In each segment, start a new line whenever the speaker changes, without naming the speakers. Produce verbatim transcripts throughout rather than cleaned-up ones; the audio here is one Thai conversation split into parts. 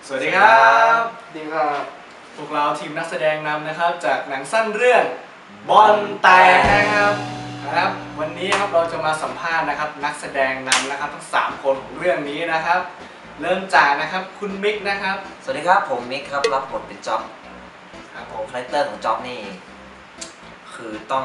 สวัสดีครับ
ดีครับ
พวกเราทีมนักแสดงนำนะครับจากหนังสั้นเรื่องบอลแตกนะครับครับวันนี้ครับเราจะมาสัมภาษณ์นะครับนักแสดงนำนะครับทั้งสามคนของเรื่องนี้นะครับเริ่มจากนะครับคุณมิกนะครับ
สวัสดีครับผมมิกครับรับบทเป็นจ๊อบ
ครับผ
ผม
ม
คาแรคเตอร์ของจ๊อบนี่คือต้อง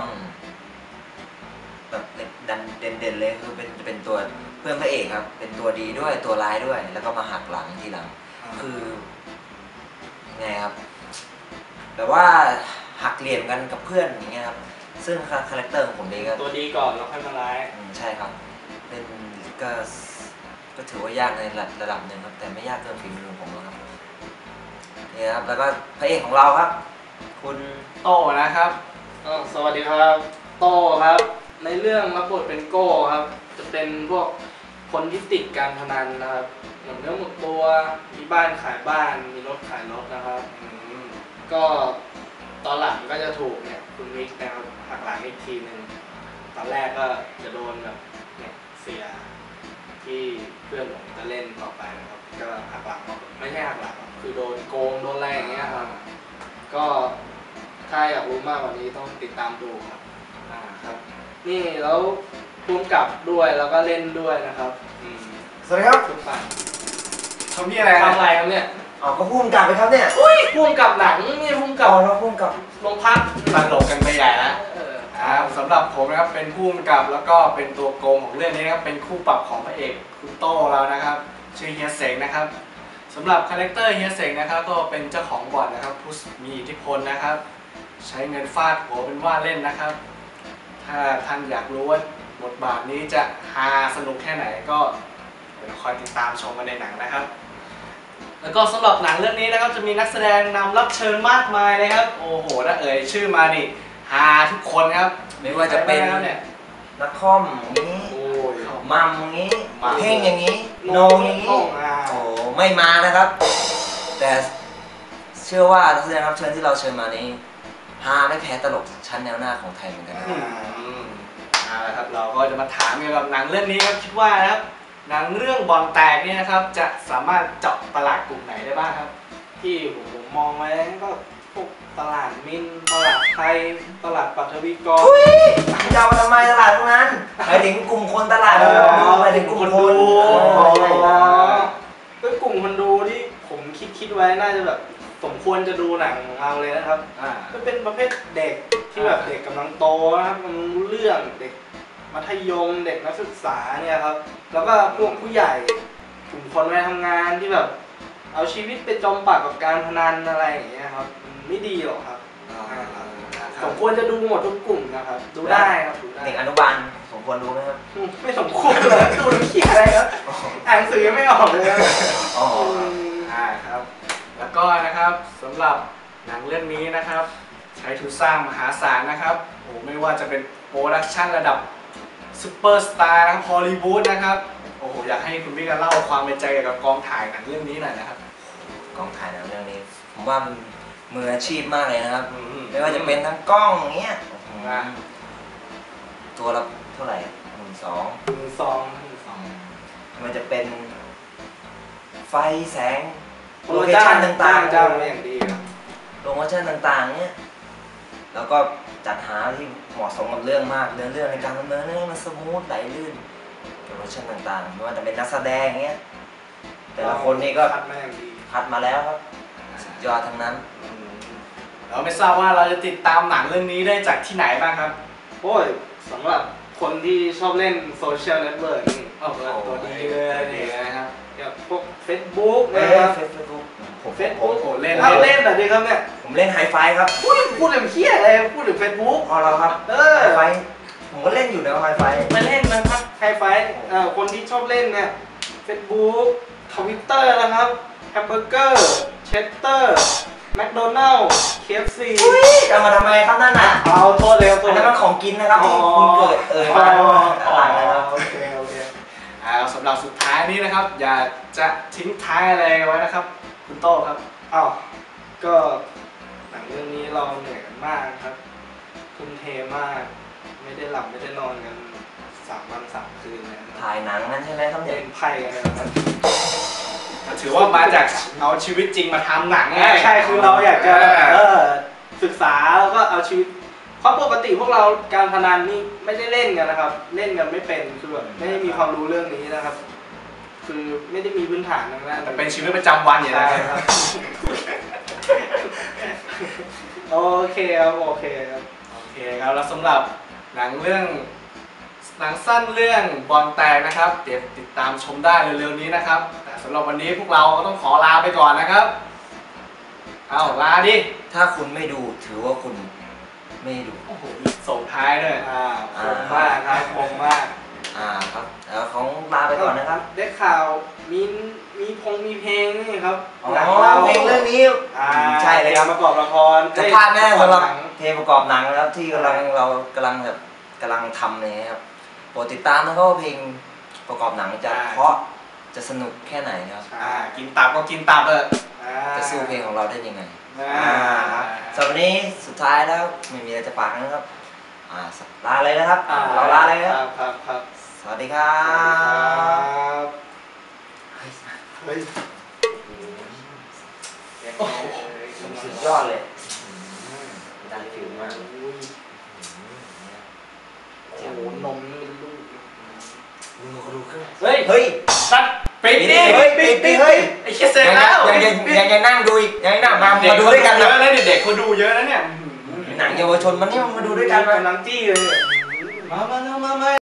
แบบดันเด่นๆเลยคือเป็นเป็นตัวเพื่อนพระเอกครับเป็นตัวดีด้วยตัวร้ายด้วยแล้วก็มาหักหลังทีหลังคือไงครับแบบว่าหักเหลี่ยมกันกับเพื่อนอย่างเงี้ยครับซึ่งคาแรคเตอร์ของผมนี่ก็
ตัวดีก่อนแล้วค่อยมาร้าย
ใช่ครับเป็นก็ก็ถือว่ายากในระดับหนึ่งครับแต่ไม่ยากเกินฝีมือของผมหรอกครับนี่ครับแล้วก็พระเอกของเราครับคุณ
โตนะครับ
สวัสดีครับโตครับในเรื่องรับบทเป็นโก้ครับจะเป็นพวกคนที่ติดการพนันนะครับหมดเนื้อหมดตัวมีบ้านขายบ้านมีรถขายรถนะครับก็ตอนหลังก็จะถูกเนี่ยคุณมิกนะครับหักหลังอีกทีหนึ่งตอนแรกก็จะโดนแบบเนี่ยเสียที่เพื่อนผมจะเล่นต่อไปนะครับก็หักหลังไม่ใช่หักหลังคือโดนโกงโดนอะไรอย่างเงี้ยครับก็ถ้าอยากรู้มากกว่านี้ต้องติดตามดูครับอ่าครับนี่แล้วพุ่งกลับด้วยแล้วก็เล่นด้วยนะครับ
สวัสดีครับ
ทุกฝ่าย
ทำพี่อะไร
ทำอะไรครับเนี่ย
อ๋อก็พุ่งกลับไปครับเนี่ย
อุ้ยพุ่งกลับหนังนี่พุ่งกลับ
อ๋อเราพุ่งกลับ
ลงพัก
ตลกกันไปใหญ่แล้วครับสำหรับผมนะครับเป็นผู้กำกับแล้วก็เป็นตัวโกงของเรื่องนี้นะครับเป็นคู่ปรับของพระเอกคุณโต้เรานะครับชื่อเฮียเสงนะครับสำหรับคาแรคเตอร์เฮียเสงนะครับก็เป็นเจ้าของบ่อนนะครับผู้มีอิทธิพลนะครับใช้เงินฟาดหัวเป็นว่าเล่นนะครับถ้าท่านอยากรู้ว่าบทบาทนี้จะฮาสนุกแค่ไหนก็เดี๋ยวคอยติดตามชมกันในหนังนะครับแล้วก็สำหรับหนังเรื่องนี้นะครับจะมีนักแสดงนำรับเชิญมากมายเลยครับโอ้โหถ้าเอ่ยชื่อมานี่ฮาทุกคนครับ
ไม่ว่าจะเป็น
เนี่ย
นักคอมอย่างนี้มัมอย่างนี้เพ่งอย่างนี้โนอย่างนี้โอ้ไม่มานะครับแต่เชื่อว่านักแสดงรับเชิญที่เราเชิญมานี้ฮาไม่แพ้ตลกชั้นแนวหน้าของไทยเหมือนกันนะ
เอาละครับเราก็จะมาถามเกี่ยวกับหนังเรื่องนี้ครับคิดว่านะครับหนังเรื่องบอลแตกนี่นะครับจะสามารถเจาะตลาดกลุ่มไหนได้บ้างครับ
ที่ผมมองไว้ก็พวกตลาดมินตลาดไทยตลาดปัทวีกร
จะเอาทำไมตลาดตรงนั้นหมายถึงกลุ่มคนตลาดหมายถึงกลุ่มคนดู
ก็กลุ่มคนดูที่ผมคิดคิดไว้น่าจะแบบสมควรจะดูหนังของเราเลยนะครับก็เป็นประเภทเด็กที่แบบเด็กกำลังโตนะครับมันรู้เรื่องเด็กมัธยมเด็กนักศึกษาเนี่ยครับแล้วก็พวกผู้ใหญ่กลุ่มคนวัยทำงานที่แบบเอาชีวิตไปจมปากกับการพนันอะไรอย่างเงี้ยครับไม่ดีหรอกครับสมควรจะดูหมดทุกกลุ่มนะครับดูได้ครับ
เด็กอนุบาลสมควรดูไหมครับ
ไม่สมควรเลยดูหนังเขียนอะไรครับอ่านหนังสือยังไม่ออกเลย
อ๋อครับแล้วก็นะครับสำหรับหนังเรื่องนี้นะครับใช้ทุนสร้างมหาศาลนะครับโอ้ไม่ว่าจะเป็นโปรดักชั่นระดับซุปเปอร์สตาร์นะครับฮอลลีวูดนะครับโอ้โหอยากให้คุณพี่กันเล่าความเป็นใจเกี่ยวกับกองถ่ายหนังเรื่องนี้หน่อยนะครับ
กองถ่ายหนังเรื่องนี้ผมว่ามืออาชีพมากเลยนะครับไม่ว่าจะเป็นทั้งกล้องเงี้ยตัวละเท่าไหร่หมื่นสอง
หมื่นสอง
มันจะเป็นไฟแสงโลเคชั่นต่างๆ
จ้างอย่างดี
โลเคชั่นต่างๆเนี้ยแล้วก็จัดหาที่เหมาะสมกับเรื่องมากเรื่องเรื่องในการดำเนินเรื่องมันสมูทไหลลื่นโลเคชั่นต่างๆไม่ว่าจะเป็นนักแสดงเงี้ยแต่ละคนนี่ก็
คัดมาอย่างดี
คัดมาแล้วครับสุดยอดทั้งนั้น
เราไม่ทราบว่าเราจะติดตามหนังเรื่องนี้ได้จากที่ไหนบ้างครับ
โอ้ยสำหรับคนที่ชอบเล่นโซเชียลเน็ตเวิร์กนี่ตัวดีเลยนี่นะครับอย่างพวก Facebook นะครับ
เฟซบุ๊ก
เฟซบุ๊กโอ้เล่นเล่นแบบนี้ครับเนี่ย
ผมเล่นไฮไฟครับ
พูดถึงเคี้ยอะไรพูดถึง Facebook
พอเราครับไฮไฟผมก็เล่นอยู่นะไฮไฟ
มาเล่นนะครับไฮไฟคนที่ชอบเล่นเนี่ย Facebook Twitter นะครับแฮมเบอร์เกอร์เชสเตอร์แมคโดนัลด์ เค เอฟ ซี
จะมาทำไมครับนั่นน่ะ
เอาโทษเลยครับ
อันนั้นมันของกินนะครับที่คุณเกิดเอ่ยมาต่างนะครับ
โอเคโอเค
อ่าสำหรับสุดท้ายนี้นะครับอยากจะทิ้งท้ายอะไรไว้นะครับคุณโต้ครับ
อ้าวก็หนังเรื่องนี้เราเหนื่อยกันมากครับทุ่มเทมากไม่ได้หลับไม่ได้นอนกันสามวันสามคืนนะ
ถ่ายหนังนั่นใช่ไหมครับ
เล่นไพ่กันนะครับ
ถือว่ามาจากเอาชีวิตจริงมาทำหนังไง
ใช่คือเราอยากจะเออศึกษาแล้วก็เอาชีวิตเพราะปกติพวกเราการพนันนี่ไม่ได้เล่นกันนะครับ เล่นกันไม่เป็นคือแบบไม่ได้มีความรู้เรื่องนี้นะครับ คือไม่ได้มีพื้นฐานทางด้าน
แต่เป็นชีวิตประจำวันอย่าง
ใช่
นั้น
ครับโอเคครับโอเคครับ
โอเคครับแล้วสำหรับหนังเรื่องหนังสั้นเรื่องบอลแตกนะครับเดี๋ยวติดตามชมได้เร็วๆนี้นะครับแต่สำหรับวันนี้พวกเราก็ต้องขอลาไปก่อนนะครับเอาลาดิ
ถ้าคุณไม่ดูถือว่าคุณไม่ดู
โอ้โหมีส่งท้ายด้วย
อ่าคมมากครับคมมาก
อ่าครับแล้วของลาไปก่อนนะครับ
ได้ข่าวมีมีพงมีเพลงนี่ครับ
อ๋อ
หนังเรา
เพลงเรื่องนี้
อ่า
ใช่เลยครับ
ประกอบละคร
จะพลาดแน่สำหรับ
หนัง
เพลงประกอบหนังนะครับที่กำลังเรากำลังแบบกำลังทำเลยครับโปรดติดตามนะครับว่าเพลงประกอบหนังจะเพราะจะสนุกแค่ไหนครับ
อ่ากินตับก็กินตับเออ
อ่า
จะสู้เพลงของเราได้ยังไง
อ่า
อ่าครับสำหรับวันนี้สุดท้ายแล้วไม่มีอะไรจะฝากนะครับอ่าลาเลยนะครับ
อ่
เราลาเลยครับ
ครับครับ
สวัสดีครั
ครับ บเฮ้ย
โอ้โหสุดยอดเลยได้ฟิลมาก
โอ้โหนมนี่เป็นลูก
ดูเขาดูเครื่อง
เฮ้ย
เฮ้ย
สัตว์ปิดดิ
เฮ้ยปิดดิเฮ้ย
ไอ้เชี่ยเสร็จแล้ว
ยังยังยังยังนั่งดูอีกยังนั่งมามาดูด้วยกัน
เย
นะ
อะนะเด็กๆเขาดูเยอะนะเนี่ย
หนังเยาวชนมันนี่มาดูด้วยกัน
กำลังจี้เลย
มามามามา